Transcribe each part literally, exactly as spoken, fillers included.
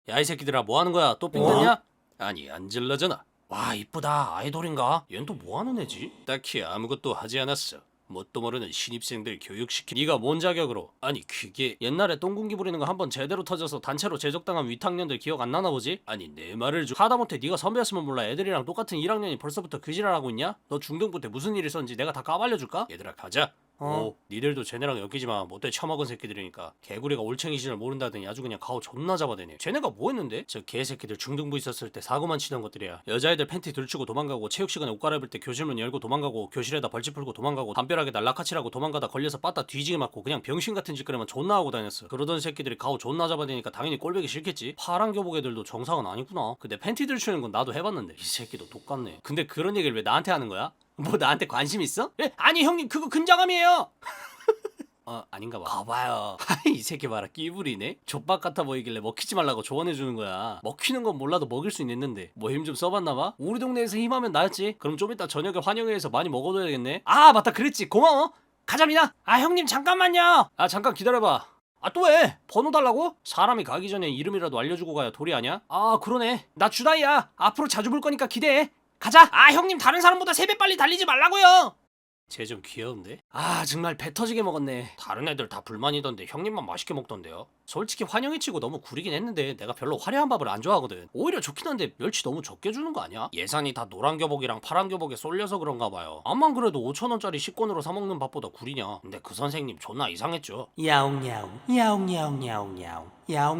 야 이 새끼들아 뭐하는 거야? 또 삥났냐? 아니 안질러잖아. 와 이쁘다. 아이돌인가? 얜 또 뭐하는 애지? 딱히 아무것도 하지 않았어. 뭣도 모르는 신입생들 교육시키. 네가 뭔 자격으로? 아니 그게 옛날에 똥군기 부리는 거 한번 제대로 터져서 단체로 제적당한 위탁년들 기억 안 나나 보지? 아니 내 말을 좀 하다못해 네가 선배였으면 몰라. 애들이랑 똑같은 일 학년이 벌써부터 그 지랄하고 있냐? 너 중등부 때 무슨 일 있었는지 내가 다 까발려줄까? 얘들아 가자. 어, 니들도 쟤네랑 엮이지마. 못돼 처먹은 새끼들이니까. 개구리가 올챙이 시절 모른다더니 아주 그냥 가오 존나 잡아대네. 쟤네가 뭐 했는데? 저 개새끼들 중등부 있었을 때 사고만 치던 것들이야. 여자애들 팬티 들추고 도망가고, 체육시간에 옷 갈아입을 때 교실문 열고 도망가고, 교실에다 벌집 풀고 도망가고, 담벼락에다 락카치라고 도망가다 걸려서 빠따 뒤지게 맞고 그냥 병신 같은 짓거리만 존나 하고 다녔어. 그러던 새끼들이 가오 존나 잡아대니까 당연히 꼴보기 싫겠지. 파란 교복 애들도 정상은 아니구나. 근데 팬티 들추는 건 나도 해봤는데 이 새끼도 똑같네. 근데 그런 얘기를 왜 나한테 하는 거야? 뭐 나한테 관심 있어? 에? 아니 형님 그거 근자감이에요. 어 아닌가 봐. 가봐요. 아이 이 새끼 봐라 끼부리네. 족박 같아 보이길래 먹히지 말라고 조언해주는 거야. 먹히는 건 몰라도 먹일 수 있는데 뭐 힘 좀 써봤나 봐. 우리 동네에서 힘하면 나였지. 그럼 좀 이따 저녁에 환영회에서 많이 먹어둬야겠네. 아 맞다 그랬지. 고마워. 가자미나. 아 형님 잠깐만요. 아 잠깐 기다려봐. 아 또 왜? 번호 달라고? 사람이 가기 전에 이름이라도 알려주고 가야 도리 아냐? 아 그러네. 나 주다이야. 앞으로 자주 볼 거니까 기대해. 가자. 아 형님 다른 사람보다 세 배 빨리 달리지 말라고요. 쟤 좀 귀여운데? 아 정말 배 터지게 먹었네. 다른 애들 다 불만이던데 형님만 맛있게 먹던데요? 솔직히 환영회 치고 너무 구리긴 했는데 내가 별로 화려한 밥을 안 좋아하거든. 오히려 좋긴 한데 멸치 너무 적게 주는 거 아니야? 예산이 다 노란 교복이랑 파란 교복에 쏠려서 그런가 봐요. 암만 그래도 오천 원짜리 식권으로 사 먹는 밥보다 구리냐? 근데 그 선생님 존나 이상했죠. 야옹야옹 야옹야옹야옹야옹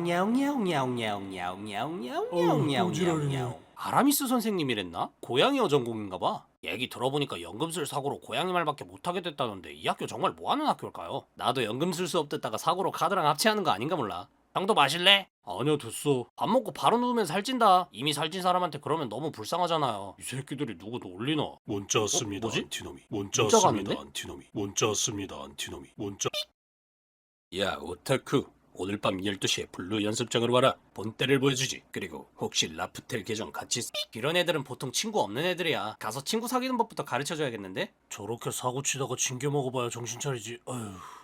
야옹야옹야옹야옹야옹야옹야옹야옹야옹. 아라미스 선생님이랬나? 고양이 어전공인가봐. 얘기 들어보니까 연금술 사고로 고양이 말밖에 못하게 됐다던데 이 학교 정말 뭐하는 학교일까요? 나도 연금술 수업 듣다가 사고로 카드랑 합치하는 거 아닌가 몰라. 형도 마실래? 아니요 됐어. 밥 먹고 바로 누우면 살찐다. 이미 살찐 사람한테 그러면 너무 불쌍하잖아요. 이 새끼들이 누구 놀리나? 문자 왔습니다. 어, 뭐지? 안티놈이. 문자 문자가 왔습니다. 왔는데? 안티놈이. 문자 왔습니다. 안티놈이. 문자. 야 오타쿠 오늘 밤 열두 시에 블루 연습장으로 와라. 본때를 보여주지. 그리고 혹시 라프텔 계정 같이 쓰... 이런 애들은 보통 친구 없는 애들이야. 가서 친구 사귀는 법부터 가르쳐줘야겠는데? 저렇게 사고 치다가 징겨 먹어봐야 정신 차리지. 어휴.